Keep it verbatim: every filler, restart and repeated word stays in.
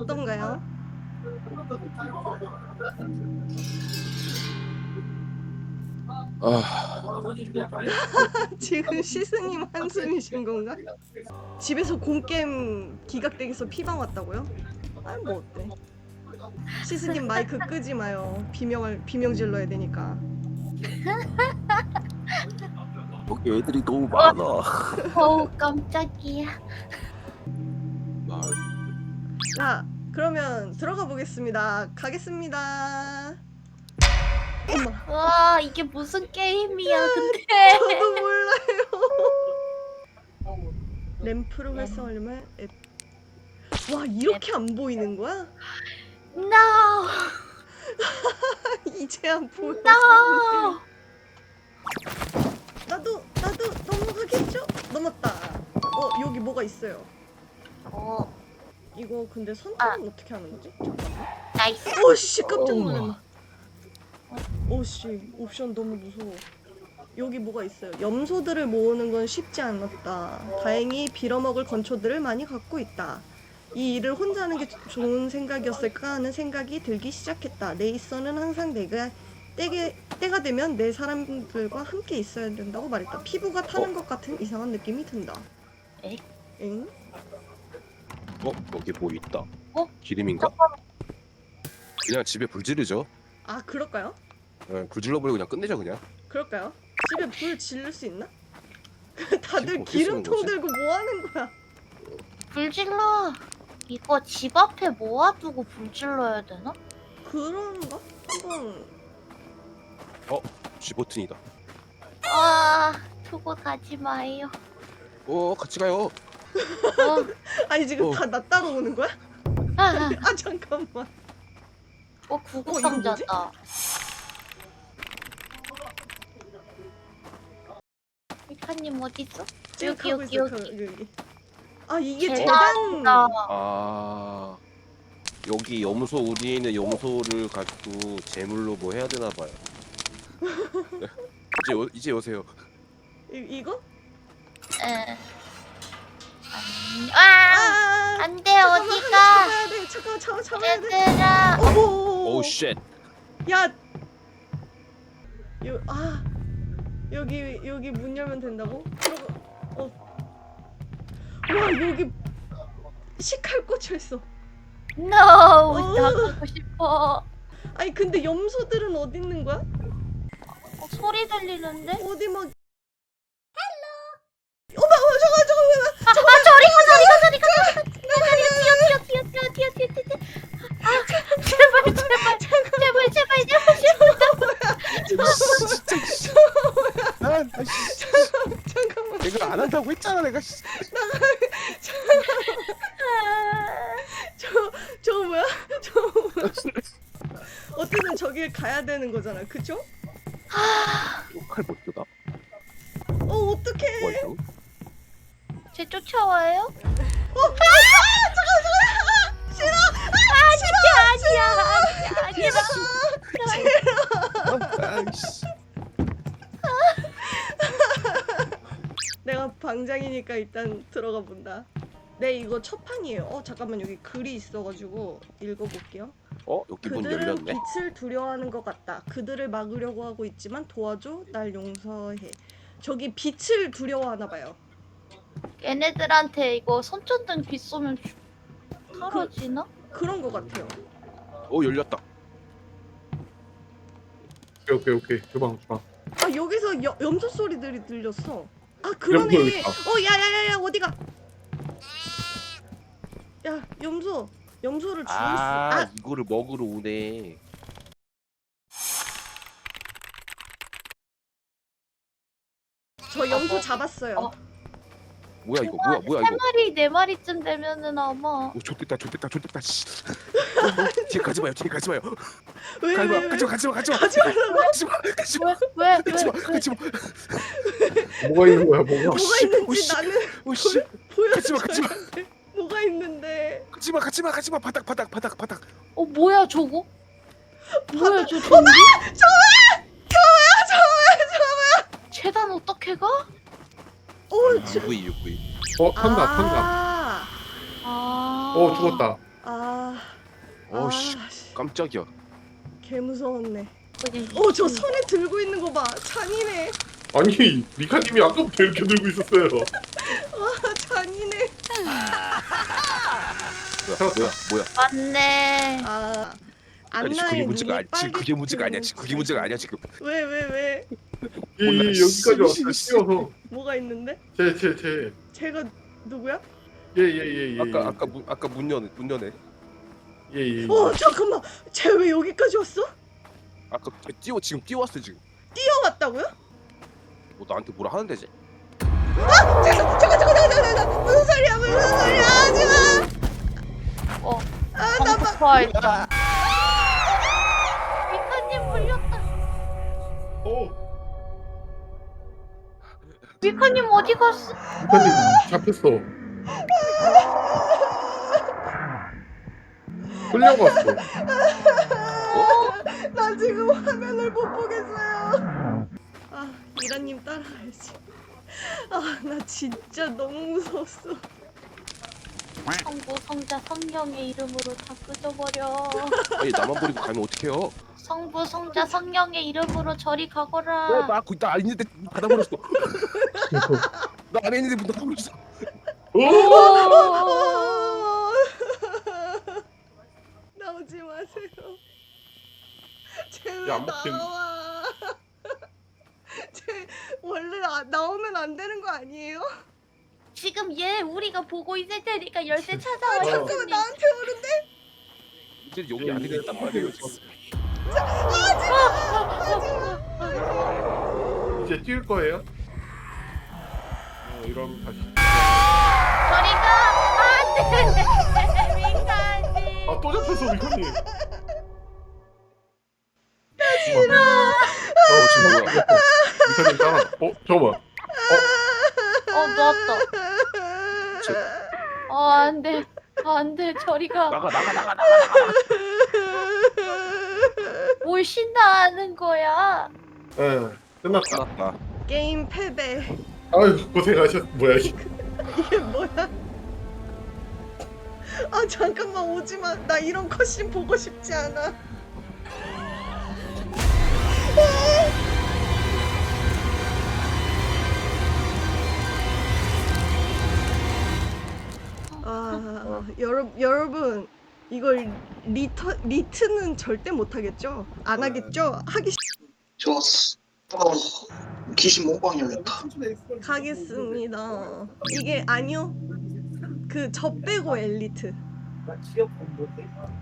어떤가요? 아, 지금 시스님 한숨이신 건가? 집에서 공게임 기각되기서 피방 왔다고요? 아니 뭐 어때? 시스님 마이크 끄지 마요. 비명을 비명 질러야 되니까. 여기 애들이 너무 많아. 어우 깜짝이야. 아, 자, 그러면 들어가 보겠습니다. 가겠습니다. 엄마, 와 이게 무슨 게임이야 근데. 저도 몰라요. 램프를 활성화하려면 앱. 와, 이렇게 안 보이는 거야? No 이제 안 보여. no. 나도 나도 넘어가겠죠? 넘었다. 어, 여기 뭐가 있어요. 어 이거 근데 선택은 어떻게 하는 거지? 잠깐만. 나이스. 오씨, 깜짝 놀랐네. 오씨, 옵션 너무 무서워. 여기 뭐가 있어요. 염소들을 모으는 건 쉽지 않았다. 다행히 빌어먹을 건초들을 많이 갖고 있다. 이 일을 혼자 하는 게 좋은 생각이었을까 하는 생각이 들기 시작했다. 레이서는 항상 내가 때게, 때가 되면 내 사람들과 함께 있어야 된다고 말했다. 피부가 타는 것 같은 이상한 느낌이 든다. 에? 엥? 어, 여기 뭐 있다. 어? 기름인가? 그냥 집에 불 지르죠. 아, 그럴까요? 네, 불 질러버리고 그냥 끝내죠 그냥. 그럴까요? 집에 불 지를 수 있나? 다들 지금 어떻게 쓰는 기름통 거지? 들고 뭐 하는 거야? 불 질러. 이거 집 앞에 모아두고 불 질러야 되나? 그런가? 한번 G 버튼이다. 아 두고 가지 마요. 어, 같이 가요. 어, 아니 지금 어. 다 나 따라오는 거야? 아, 아. 아 잠깐만. 어 구급 상자다. 이카님 어디 있어? 지금 여기 가고 여기 있어. 여기. 여기 여기. 아 이게 재단. 재단이다. 아, 여기 염소 우리에 있는 염소를 가지고 제물로 뭐 해야 되나 봐요. 이제 오, 이제 오세요. 이, 이거? 에. 안, 아! 아 안 돼, 잠깐만, 어디가? 잡아야 돼. 잠깐 잡아 잡아야 돼. 얘들아. 어머. 오우 쉣. 야. 요 아. 여기 여기 문 열면 된다고? 들어가. 어. 와 여기 식칼 꽂혀 있어. No, 어. 나가고 싶어. 아니 근데 염소들은 어디 있는 거야? 어, 소리 들리는데? 어디 막. 어머 어머 잠깐 잠깐 아, 아 저리가, 저리가, 저리가, 저리가. 뛰어, 뛰어, 뛰어, 뛰어, 뛰어, 뛰어, 뛰어, 뛰어. 아, 제발, 제발, 제발, 제발, 제발, 제발. 아, 아이씨. 잠깐만. 내가 안 한다고 했잖아 내가. 씨. 저 저거 뭐야? 저거 뭐야? 어쨌든 저길 가야 되는 거잖아, 그쵸? 칼못 쓰다. 어 어떡해? 뭐야 이거? 쟤 쫓아와요? 어? 아 잠깐 잠깐 싫어. 아 싫어. 아니야, 아니야, 아니야. 아이씨. 내가 방장이니까 일단 들어가 본다. 네 이거 첫 판이에요. 어 잠깐만 여기 글이 있어가지고 읽어볼게요. 어, 여기 문 그들은 열렸네. 빛을 두려워하는 것 같다. 그들을 막으려고 하고 있지만 도와줘. 날 용서해. 저기 빛을 두려워하나 봐요. 얘네들한테 이거 손전등 빛 쏘면 주- 사라지나? 그런 것 같아요. 어, 열렸다. 오케이 오케이 오케이 주방 주방 아 여기서 여, 염소 소리들이 들렸어. 아 염소 그러네. 여기 있다. 어 야야야야 어디가? 야 염소 염소를 죽일 수. 아, 아 이거를 먹으러 오네. 저 염소 잡았어요. 어. 뭐야 이거? 뭐야 뭐야 세 이거? 마리, 네 마리쯤 되면은 아마. 오, 좋됐다 좋됐다 좋됐다. 씨. 어, 어, 뒤에 가지 마요. 뒤에 가지 마요. 왜 가지 왜 마. 왜? 가지 마. 가지 마. 가지 마. 가지 말라고? 가지 마. 가지 마. 왜, 왜, 가지 마. 왜, 왜? 가지 마. 뭐가 있는 거야 뭐가 뭐가 씨, 있는지 오씨. 나는 오씨. 가지 마. 가지 마. 보여줘야 돼. 뭐가 있는데? 가지 마. 가지 마. 가지 마. 바닥 바닥 바닥 바닥. 어, 뭐야, 저거? 뭐야, 저 좀비? 재단 어떻게 가? 어 저. 유브이 유브이. 어 탄다 탄다 아. 아. 어 죽었다 아. 어씨 아, 씨, 깜짝이야. 개 무서웠네. 우리 어, 저 손에 들고 있는 거 봐. 잔인해. 아니 미카님이 아까부터 이렇게 들고 있었어요. 아, 잔인해. 뭐야 뭐야 뭐야. 맞네. 아, 아니 지금 그게 안나의 문제가 눈이 아니 지금 그게 문제가 아니야. 빨개지는 지금 그게 문제가 아니야 지금. 왜, 왜, 왜? 예, 몰라, 예, 씨, 여기까지 왔어요. 씨, 씨. 뛰어서 뭐가 있는데? 제제제 제가 누구야? 예예예예. 아까 아까 문 아까 문 여네 문 여네. 예예. 어, 잠깐만. 쟤 왜 여기까지 왔어? 아까 뛰어 지금 뛰어왔어 지금. 뛰어왔다고요? 뭐 나한테 뭐라 하는 데지? 잠깐, 잠깐, 잠깐, 잠깐, 잠깐, 잠깐. 무슨 소리야, 무슨 소리야, 하지 마. 어. 아, 나 막. 방폭파했다. 미카님 물렸다. 어 미카님 어디 갔어? 미카님 잡혔어. 끌려갔어. 나 지금 화면을 못 보겠어요. 아, 미라님 따라가야지. 아, 나 진짜 너무 무서웠어. 성부 성자 성령의 이름으로 다 끄져버려. 아니 나만 버리고 가면 어떡해요? 성부 성자 성령의 이름으로 저리 어, 가거라. 나 거기 나 있는데 닫아버렸어. 나 안에 있는데 문 닫아버렸어. 오! 어! 나오지 마세요. 쟤왜 야, 안 먹힌- 나와? 쟤 원래 나, 나오면 안 되는 거 아니에요? 지금 얘 우리가 보고 있을 테니까 열쇠 찾아와. 어. 잠깐만, 형님. 나한테 오는데? 이제 여기 안에 있단 말이에요 지금. 이제 뛸 거예요? 어 이러면 다시. 저리 가. 안돼. 미카님. 아 또 잡혔어 미카님. 어 지금 뭐야? 미카님 따라. 어 잠깐만. 어 놓았다. 저- 어 안돼. 안돼. 저리 가. 나가 나가 나가 나가. 뭘 신나하는 거야? 예 끝났다. 끝났다. 게임 패배. 아유 고생하셨. 뭐야 이게. 이게 뭐야? 아, 잠깐만, 오지 마. 나 이런 컷신 보고 싶지 않아. 아, 여러, 여러분, 이걸 리터, 리트는 절대 못하겠죠? 안 하겠죠? 하기 싫... 좋았어. 어, 귀신 모방이야겠다. 가겠습니다. 이게 아니요? 그 저 빼고 엘리트.